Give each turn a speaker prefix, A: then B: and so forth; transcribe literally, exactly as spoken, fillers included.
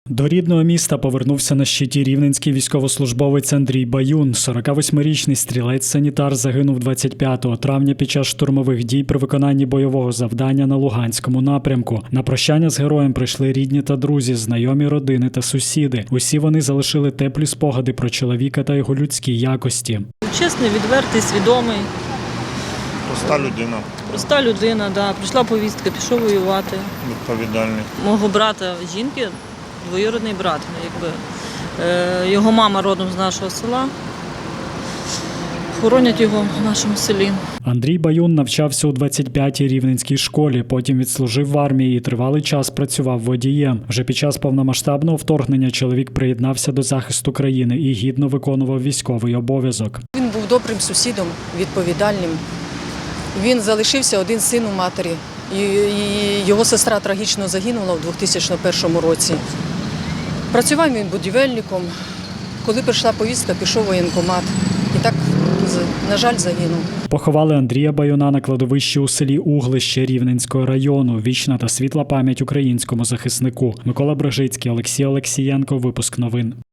A: До рідного міста повернувся на щиті рівненський військовослужбовець Андрій Баюн. сорокавосьмирічний стрілець-санітар загинув двадцять п'ятого травня під час штурмових дій при виконанні бойового завдання на Луганському напрямку. На прощання з героєм прийшли рідні та друзі, знайомі родини та сусіди. Усі вони залишили теплі спогади про чоловіка та його людські якості.
B: Чесний, відвертий, свідомий.
C: Проста людина.
B: Проста людина, да. Прийшла повістка, пішов воювати.
C: Відповідальний.
B: Мого брата жінки, двоюрідний брат. Якби. Е, його мама родом з нашого села. Хоронять його в нашому селі.
A: Андрій Баюн навчався у двадцять п'ятій рівненській школі, потім відслужив в армії і тривалий час працював водієм. Вже під час повномасштабного вторгнення чоловік приєднався до захисту країни і гідно виконував військовий обов'язок.
D: Він був добрим сусідом, відповідальним. Він залишився один син у матері. І його сестра трагічно загинула у дві тисячі першому році. Працював він будівельником. Коли прийшла повістка, пішов в воєнкомат. І так, на жаль, загинув.
A: Поховали Андрія Баюна на кладовищі у селі Углище Рівненського району. Вічна та світла пам'ять українському захиснику. Микола Брижицький, Олексій Олексієнко. Випуск новин.